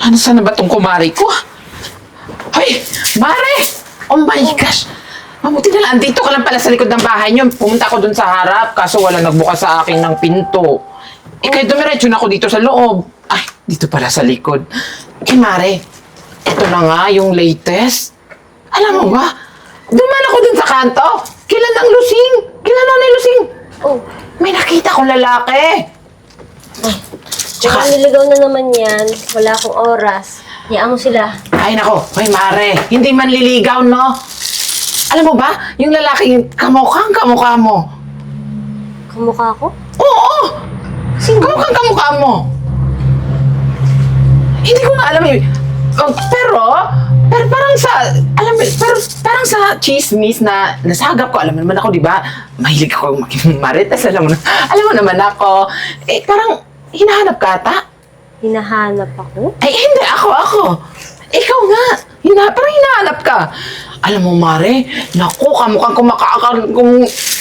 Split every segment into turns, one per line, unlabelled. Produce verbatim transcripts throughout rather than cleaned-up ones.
Ano sana ba tong kumari ko? Hoy! Mare! Oh my gosh! Mabuti na lang, dito ka lang pala sa likod ng bahay niyo. Pumunta ako dun sa harap, kaso wala nagbukas sa akin ng pinto. Eh, kaya dumiretso na ako dito sa loob. Ay, dito pala sa likod. Eh, Mare, ito na nga yung latest. Alam mo ba, duman ako dun sa kanto. Kailan ang lusing? Kailan ang lusing?
Oh,
May nakita kong lalaki.
tsaka niligaw na naman yan. Wala akong oras. Hayaan mo sila.
Ay, nako. Hoy, Mare, hindi man liligaw, no? Alam mo ba, yung lalaki, yung kamukhang kamukha mo.
Kamukha ko?
Oo! Kamukhang kamukha mo. Hindi ko nga alam eh. Oh, pero, pero parang sa, alam mo, pero parang sa chismis na nasagap ko, alam mo naman ako, di ba? Mahilig ako maging marites, alam mo na, alam mo naman ako. Eh, parang hinahanap ka ata?
Hinahanap ako?
Ay, hindi, ako, ako. Ikaw nga. Hina, parang hinahanap ka. Alam mo, Mare, naku, kamukhang kumakakal, kum...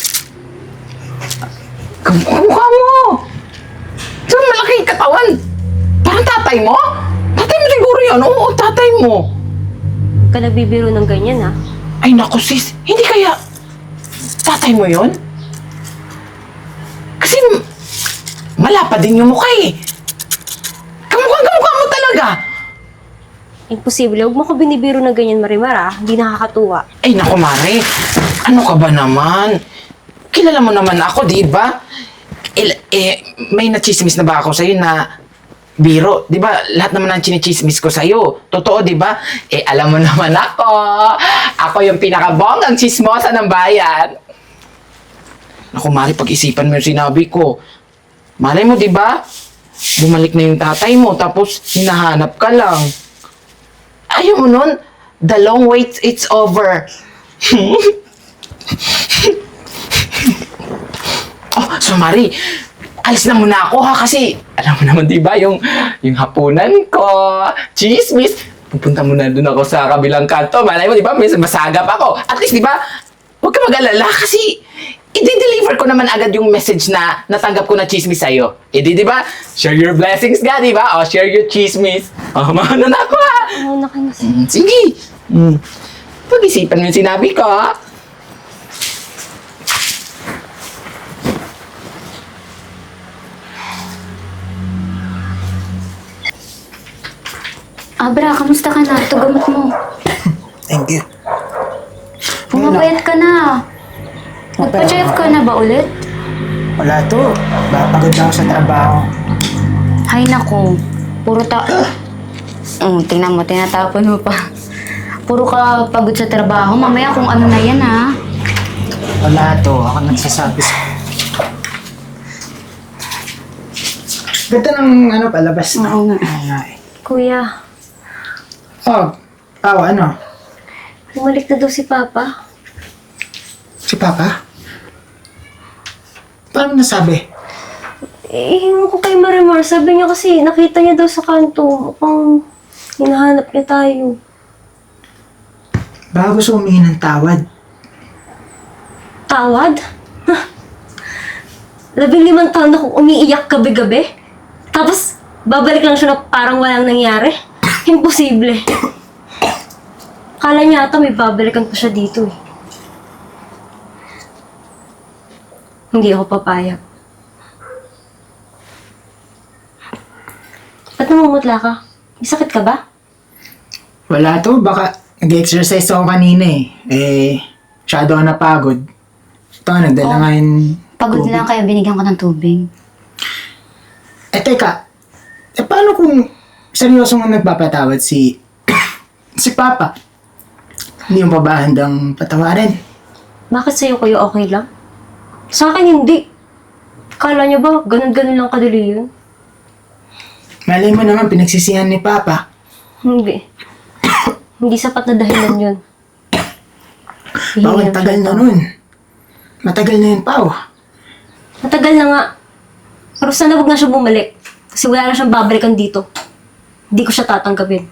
Kamukha mo. So, malaki yung katawan. Parang tatay mo? Tatay mo siguro yun. Oo, tatay mo.
Huwag ka nagbibiro ng ganyan, ha?
Ay, naku, sis. Hindi kaya tatay mo yun? Kasi malapa din yung mukha eh. Kamukhang kamukha mo talaga.
Imposible. Huwag mo ko binibiro ng ganyan, Marimar, ha? Hindi nakakatuwa.
Ay, naku, Mare. Ano ka ba naman? Kilala mo naman ako, di ba? Eh, eh, may nachismis na ba ako sa'yo na biro? Di ba? Lahat naman ang chinichismis ko sa'yo. Totoo, di ba? Eh, alam mo naman ako. Ako yung pinakabonggang chismosa ng bayan. Naku, Mare, pag-isipan mo yung sinabi ko. Malay mo, di ba? Bumalik na yung tatay mo, tapos hinahanap ka lang. Ayaw mo nun? The long wait, it's over. Oh, so Mari, alis na muna ako ha, kasi alam mo naman diba yung, yung hapunan ko, chismis. Pupunta muna dun ako sa kabilang kanto. Malay mo diba, may masagap ako. At least diba, huwag ka mag-alala kasi i-deliver ko naman agad yung message na natanggap ko na chismis sa'yo. E di diba, share your blessings ka diba? O share your chismis. O, mauna na ako ha.
Oo, na kayo
Mm, sige. Mm. Pag-isipan mo yung sinabi ko ha.
Abra, kamusta ka na? Ito gamot mo.
Thank you.
Pumapayat ka na. Nagpa-check ka na ba ulit?
Wala to. Pagod na ako sa trabaho.
Hay nako. Puro ta... Oh, tingnan mo, tinatapon mo pa. Puro ka pagod sa trabaho. Mamaya kung ano na yan, ha?
Wala to. Ako nagsasabi sa... Ganda ng ano palabas na.
Oo nga.
Oo nga eh.
Kuya,
Oh, Pao, ano?
bumalik na daw si Papa.
Si Papa? Paano mo nasabi?
Eh, hingo ko kay Marimar. Sabi niya kasi, nakita niya daw sa kanto. Mukhang hinahanap niya tayo.
Baka gusto humingi ng tawad.
Tawad? Huh? Labing limang taon na kung umiiyak gabi-gabi. Tapos, babalik lang siya na parang walang nangyari. Imposible. Kala niya ata may babalikan pa siya dito eh. Hindi ako papayag. Ba't namumutla ka? May sakit ka ba?
Wala to. Baka nag-exercise ako kanina eh. Eh, masyado ako napagod. Ito, nagdala
Oh.
nga yung
Pagod
tubig.
lang kaya binigyan ko ng tubig.
Eh, teka. Eh, paano kung seryosong nagpapatawad si... si Papa? Hindi mo pa ba handang patawarin?
Bakit sa'yo kayo okay lang? Sa akin hindi. Kala niyo ba, ganun-ganun lang kadali yun?
Malay mo naman, pinagsisihan ni Papa.
Hindi. Hindi sapat na dahilan yun.
Pao,
Hihingi
ang
lang
tagal
siya
na
ng
nun. Matagal na yun, Pao.
Matagal na nga. Pero sana wag na siya bumalik. Kasi wala na siyang babalikan dito. Hindi ko siya tatanggapin.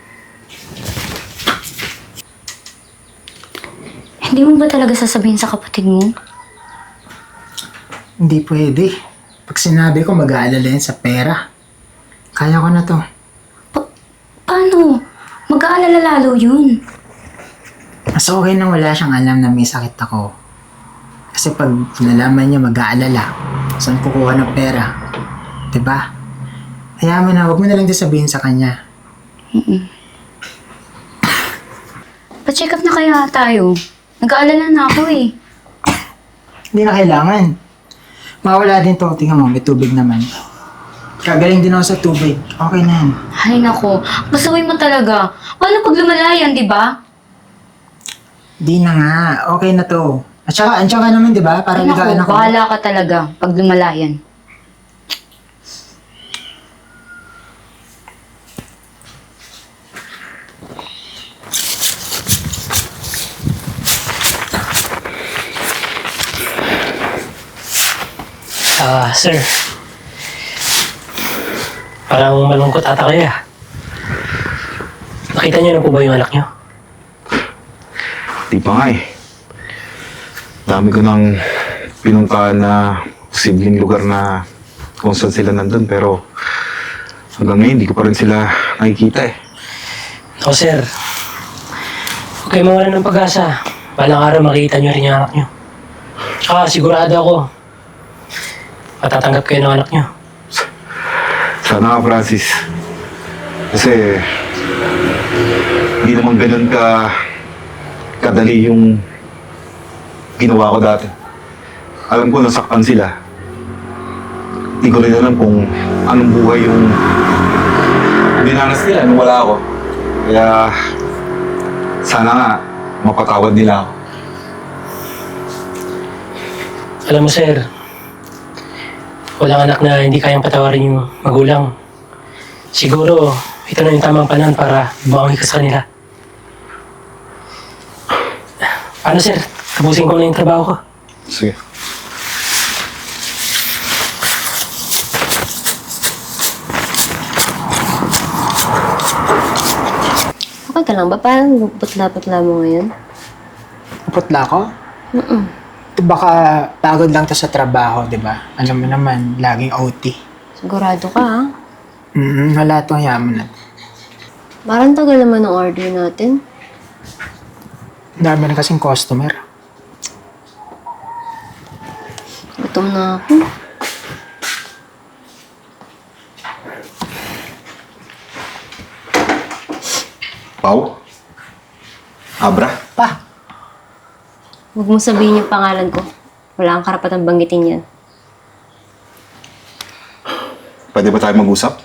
Hindi mo ba talaga sasabihin sa kapatid mo?
Hindi pwede. Pag sinabi ko, mag-aalala yan sa pera. Kaya ko na to.
Pa- paano? Mag-aalala lalo yun.
Mas okay na wala siyang alam na may sakit ako. Kasi pag nalaman niya mag-aalala, saan kukuha ng pera? Diba? Kaya mo na, huwag mo na lang din sabihin sa kanya.
Pa-check up na kaya tayo. Nag-aalala na ako eh.
Hindi na kailangan. Mawala din to. Tingnan mo, may tubig naman. Kagaling din ako sa tubig. Okay na yan.
Ay nako, pasaway mo talaga. Paano pag lumalayan, di ba?
Di na nga. Okay na to. At saka, andiyan ka naman, di ba? Para
Ay
ligaan
nako,
ako.
bahala ka talaga pag lumalayan.
Ah, sir. Parang malungkot ata kayo ah. Nakita niyo na po ba yung anak niyo?
Di pa nga eh. Dami ko nang pinuntahan na posibleng lugar na kung saan sila nandun, pero hanggang ngayon hindi ko pa rin sila nakikita eh.
Ako, sir. Huwag kayo mawala ng pag-asa. Balang araw makikita niyo rin yung anak niyo. Tsaka sigurado ako, matatanggap kayo ng anak niyo.
Sana nga, Francis. Kasi hindi naman ganun ka kadali yung ginawa ko dati. Alam ko nasaktan sila. Hindi ko rin alam kung anong buhay yung dinanas nila nung wala ako. Kaya sana nga mapatawad nila ako.
Alam mo, sir, walang anak na hindi kayang patawarin yung magulang. Siguro, ito na yung tamang panahon para bumangi ka sa kanila. Ano, sir? Tapusin ko na yung trabaho ko.
Sige.
Okay ka lang ba? Parang putla-putla mo ngayon.
Putla ko?
Mm-mm.
Baka pagod lang to sa trabaho, di ba? Alam mo naman, laging O T.
Sigurado ka, ha?
Mm-hmm, wala itong yaman na.
Parang tagal naman ng order natin.
Dami na kasing customer.
Gutom na ako.
Pau? Abra?
Pa!
Huwag mo sabihin yung pangalan ko. Wala kang karapatang banggitin yan.
Pwede ba tayo mag-usap?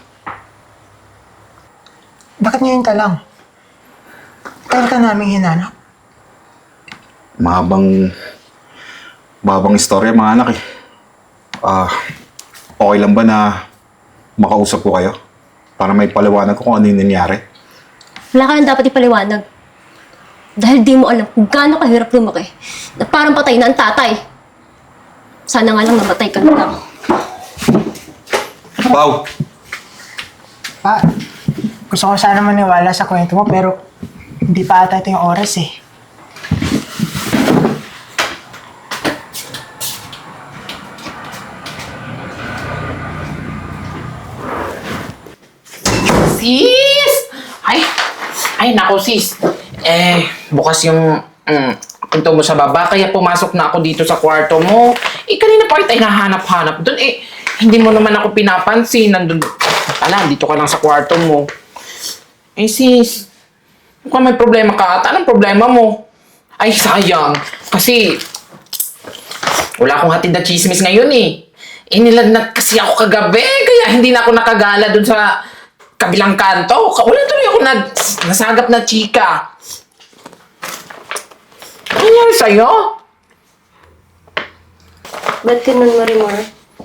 Bakit ngayon ka lang? Tagal ka namin hinanap.
Mahabang... Mahabang istorya mga anak eh. Ah, okay lang ba na makausap ko kayo? Para may paliwanag ko kung ano yung nangyari?
Wala ka nang dapat ipaliwanag. Dahil di mo alam kung gaano kahirap lumaki na parang patay na ang tatay. Sana nga lang namatay ka na lang.
Pau!
Pa, gusto ko sana maniwala sa kwento mo pero hindi pa ata ito yung oras eh.
Sis! Ay! Ay, nako sis. Eh, bukas yung mm, pinto mo sa baba, kaya pumasok na ako dito sa kwarto mo. Eh, kanina pa kita hinahanap-hanap doon. Eh, hindi mo naman ako pinapansin. Nandun, pala, dito ka lang sa kwarto mo. Eh, sis, mukhang may problema ka ata. Anong problema mo? Ay, sayang. Kasi, wala akong hatid na chismis ngayon eh. Eh, nilagnat kasi ako kagabi, kaya hindi na ako nakagala doon sa kabilang kanto. Wala tuloy ako nag, nasagap na chika. Ano nangyari sa'yo?
Ba't ganun, Marimar?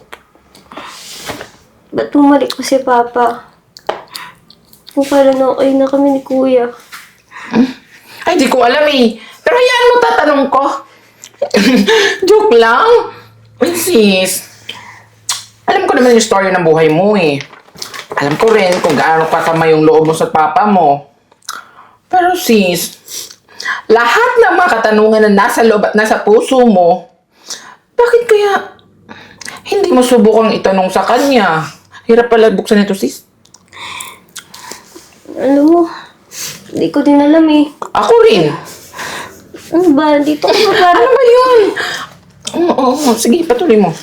Ba't bumalik ko si Papa? Kung pala na okay na kami ni Kuya.
Ay, di ko alam eh. Pero hayaan mo tatanong ko. Joke lang. Uy, sis. Alam ko naman yung story ng buhay mo eh. Alam ko rin kung gaano kasama yung loob mo sa papa mo. Pero sis, lahat ng mga katanungan na nasa loob at nasa puso mo, bakit kaya hindi mo subukang itanong sa kanya? Hirap pala buksan ito, sis.
Alam mo, hindi ko din alam eh.
Ako rin.
Ano ba? Dito ko ba parang...
Ano ba yun? Oo, oo, oo. Sige, patuloy mo.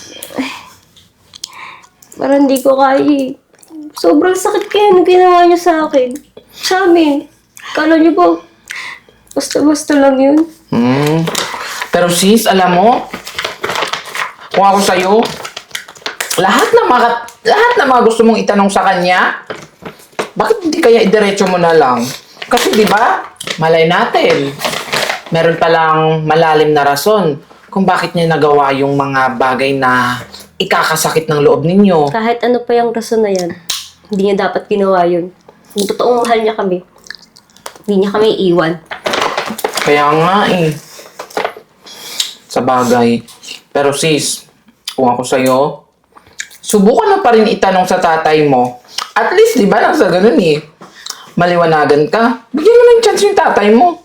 Parang hindi ko kaya eh. Sobrang sakit kaya nung ginawa niyo sa akin. Sa amin. Kala niyo ba, basta-basta lang yun?
Hmm. Pero sis, alam mo, kung ako sa'yo, lahat na mga, lahat na mga gusto mong itanong sa kanya, bakit hindi kaya idiretso mo na lang? Kasi di ba, malay natin, meron palang malalim na rason kung bakit niya nagawa yung mga bagay na ikakasakit ng loob ninyo.
Kahit ano pa yung rason na yan, hindi niya dapat ginawa yun. Kung totoong mahal niya kami, hindi niya kami iiwan.
Kaya nga eh. Sa bagay. Pero sis, kung ako sa'yo, subukan na pa rin itanong sa tatay mo. At least, di ba, lang sa ganun eh. Maliwanagan ka. Bigyan mo ng chance yung tatay mo.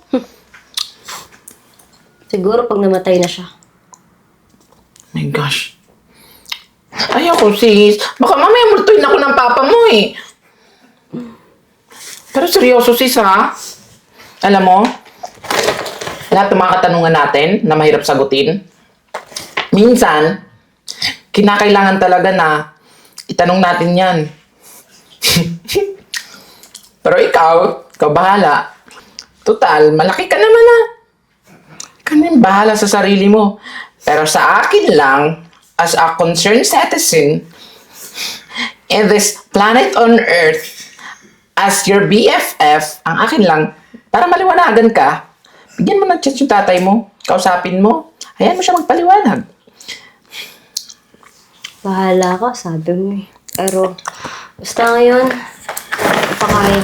Siguro pag namatay na siya.
My gosh. Ayoko sis. Baka mamaya multuin ako ng papa mo eh. Pero seryoso sis ha. Alam mo, lahat ng mga katanungan natin na mahirap sagutin, minsan, kinakailangan talaga na itanong natin yan. Pero ikaw, ikaw bahala. Total, malaki ka naman ah. Ikaw na yung bahala sa sarili mo. Pero sa akin lang, as a concerned citizen, in this planet on Earth, as your B F F, ang akin lang, para maliwanagan ka, bigyan mo ng chance yung tatay mo, kausapin mo, hayaan mo siya magpaliwanag.
Bahala ka, sabi mo eh. Pero, basta ngayon, napakaya.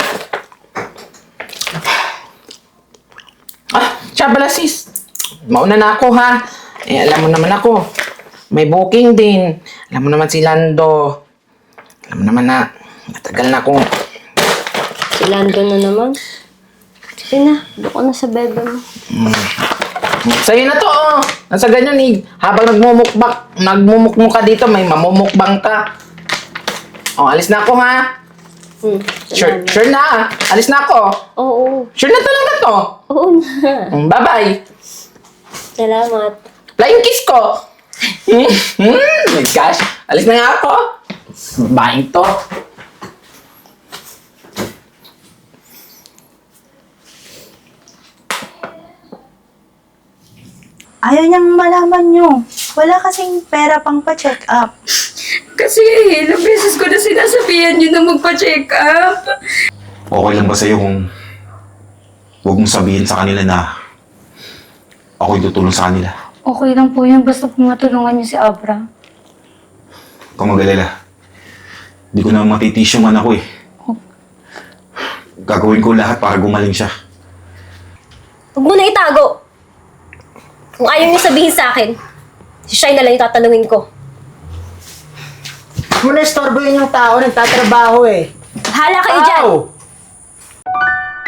Ah, siya pala sis. Mauna na ako ha. Eh, alam mo naman ako. May booking din. Alam mo naman si Lando. Alam mo naman na matagal na akong...
Si Lando na naman. Sige na, doon ka na sa bebe mo.
Sa'yo na to, oh. Nasa ganyan eh. Habang nagmumukbang, nagmumukmuk ka dito, may mamumukbang ka. Oh, alis na ako ha.
Hmm,
Sure,
salamat.
sure na ah. Alis na ako.
Oo,
Sure na talaga to.
oo na.
Mm, bye-bye.
Salamat.
Flying kiss ko. Hmm, hmm, my gosh. Alis na nga ako. Babaeng to.
Ayaw niyang malaman nyo. Wala kasing pera pang pa-check up.
Kasi ilang beses ko na sinasabihan yun na magpa-check up.
Okay lang ba sa'yo kung huwag mong sabihin sa kanila na ako'y tutulong sa kanila?
Okay lang po yun, basta po matulungan niyo si Abra.
Huwag kang mag-alala. Hindi ko na matitis yung anak ko eh. Gagawin ko lahat para gumaling siya.
Huwag mo na itago. Kung ayaw niyo sabihin sa akin, si Shai na lang yung tatanungin ko.
Huwag mo na istorbohin yung tao, nagtatrabaho eh.
Bahala kayo dyan!
Ow!